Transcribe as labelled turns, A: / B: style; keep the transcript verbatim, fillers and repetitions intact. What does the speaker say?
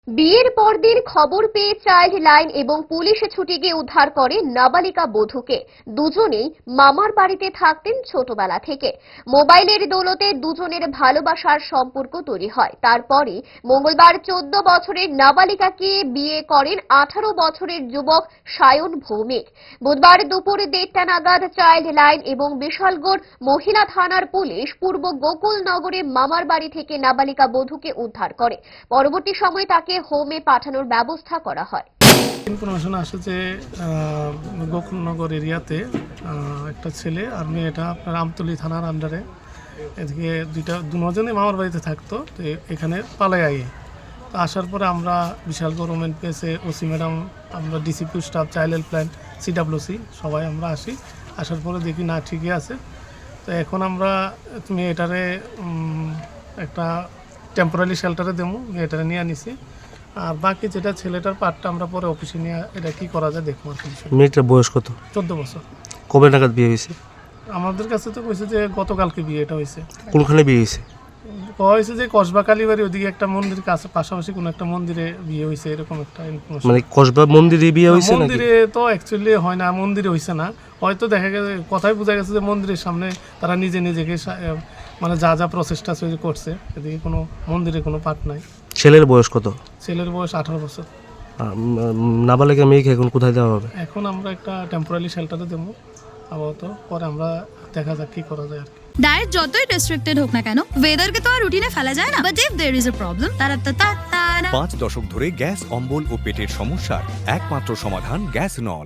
A: বিয়ের পরদিন খবর পেয়ে চাইল্ড লাইন এবং পুলিশ ছুটে গিয়ে উদ্ধার করে নাবালিকা বধূকে। দুজনেই মামার বাড়িতে থাকতেন ছোটবেলা থেকে। মোবাইলের দৌলতে দুজনের ভালোবাসার সম্পর্ক তৈরি হয়। তারপরে মঙ্গলবার চোদ্দ বছরের নাবালিকাকে বিয়ে করেন আঠারো বছরের যুবক সায়ন ভৌমিক। বুধবার দুপুরে দেড়টা নাগাদ চাইল্ড লাইন এবং বিশালগড় মহিলা থানার পুলিশ পূর্ব গোকুলনগরে মামার বাড়ি থেকে নাবালিকা বধূকে উদ্ধার করে। পরবর্তী সময়ে তাকে হোমে পাঠানোর ব্যবস্থা করা হয়।
B: ইনফরমেশন আসে যে গোকুলনগর এরিয়াতে একটা ছেলে আর মেয়েটা আপনার আমতলী থানার আন্ডারে এদিকে দুইটা দুজনে মামার বাড়িতে থাকতো। তো এখানে পালাই আগে তো আসার পরে আমরা বিশাল গভর্নমেন্ট পেসে ওসি ম্যাডাম, আমরা DCP staff, child helpline, CWC সবাই আমরা আসি। আসার পরে দেখি না ঠিকই আছে। তো এখন আমরা মেয়েটারে একটা টেম্পোরারি শেল্টারে দেবো, মেয়েটারে নিয়ে আনিছি। আর বাকি যেটা ছেলেটার পার্টটা আমরা পরে অফিসে নিয়ে এটা কি করা যায় দেখবো।
C: মেয়েটার বয়স কত?
B: চোদ্দ বছর।
C: কবে নাগাদ বিয়ে হয়েছে?
B: আমাদের কাছে তো কইছে যে গতকালকে বিয়েটা হয়েছে।
C: কোনখানে বিয়ে হয়েছে?
B: হয়েছে যে কসবা কালীবাড়ি ওদিকে একটা মন্দির কাছে পাশাপাশি কোনো একটা মন্দিরে বিয়ে হয়েছে, এরকম একটা ইনফরমেশন।
C: মানে কসবা মন্দিরে বিয়ে হয়েছে?
B: মন্দিরে তো অ্যাকচুয়ালি হয় না, মন্দিরে হয়েছে না। হয়তো দেখা গেছে কথাই বোঝা গেছে যে মন্দিরের সামনে তারা নিজে নিজেকে মানে যা যা প্রচেষ্টা করছে, এদিকে কোনো মন্দিরে কোনো পাঠ নাই।
C: ছেলের বয়স কত?
B: ছেলের বয়স আঠারো বছর।
C: নাবালিকা মেয়েকে এখন কোথায় দেওয়া হবে?
B: এখন আমরা একটা টেম্পোরারি শেল্টারে দেবো আপাতত, পরে আমরা দেখা যাক কি করা যায় আর কি।
D: ডায়েট যতই রেস্ট্রিক্টেড হোক না কেন, ওয়েদারকে তো আর রুটিনে ফেলা যায় না। But if there is a problem, তারা তা
E: পাঁচ দশক ধরে গ্যাস, অম্বল ও পেটের সমস্যার একমাত্র সমাধান গ্যাস নল।